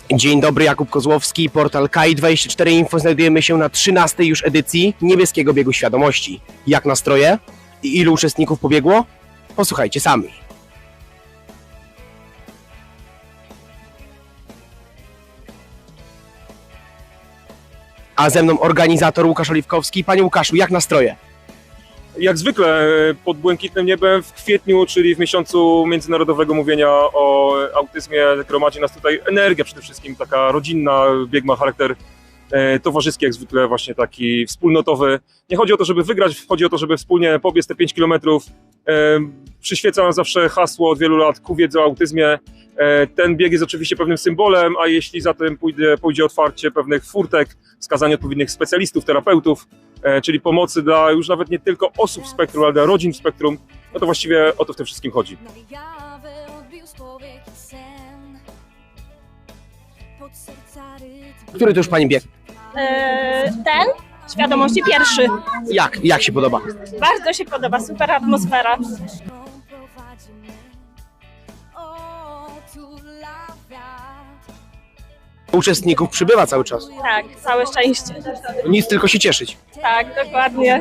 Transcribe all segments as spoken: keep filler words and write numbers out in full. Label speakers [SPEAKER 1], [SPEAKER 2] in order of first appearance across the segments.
[SPEAKER 1] Dzień dobry, Jakub Kozłowski, portal K I dwadzieścia cztery Info. Znajdujemy się na trzynastej już edycji Niebieskiego Biegu Świadomości. Jak nastroje? I ilu uczestników pobiegło? Posłuchajcie sami. A ze mną organizator Łukasz Oliwkowski. Panie Łukaszu, jak nastroje?
[SPEAKER 2] Jak zwykle pod błękitnym niebem w kwietniu, czyli w miesiącu międzynarodowego mówienia o autyzmie, gromadzi nas tutaj energia przede wszystkim, taka rodzinna, bieg ma charakter e, towarzyski, jak zwykle właśnie taki wspólnotowy. Nie chodzi o to, żeby wygrać, chodzi o to, żeby wspólnie pobiec te pięć kilometrów. E, przyświeca nam zawsze hasło od wielu lat ku wiedzy o autyzmie. E, ten bieg jest oczywiście pewnym symbolem, a jeśli za tym pójdzie, pójdzie otwarcie pewnych furtek, wskazanie odpowiednich specjalistów, terapeutów, czyli pomocy dla już nawet nie tylko osób w spektrum, ale dla rodzin w spektrum, no to właściwie o to w tym wszystkim chodzi.
[SPEAKER 1] Który to już Pani bieg?
[SPEAKER 3] Eee, ten? Świadomości pierwszy.
[SPEAKER 1] Jak? Jak się podoba?
[SPEAKER 3] Bardzo się podoba, super atmosfera.
[SPEAKER 1] Uczestników przybywa cały czas.
[SPEAKER 3] Tak, całe szczęście.
[SPEAKER 1] Nic, tylko się cieszyć.
[SPEAKER 3] Tak, dokładnie.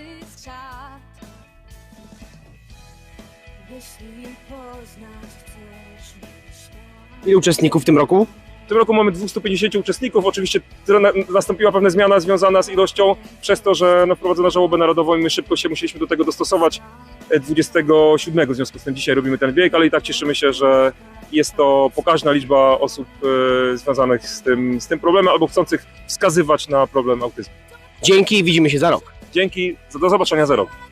[SPEAKER 1] Ilu uczestników w tym roku?
[SPEAKER 2] W tym roku mamy dwieście pięćdziesiąt uczestników, oczywiście nastąpiła pewna zmiana związana z ilością, przez to, że no, wprowadzono żałobę narodową i my szybko się musieliśmy do tego dostosować dwudziestego siódmego, w związku z tym dzisiaj robimy ten bieg, ale i tak cieszymy się, że jest to pokaźna liczba osób e, związanych z tym, z tym problemem albo chcących wskazywać na problem autyzmu.
[SPEAKER 1] Dzięki i widzimy się za rok.
[SPEAKER 2] Dzięki, do zobaczenia za rok.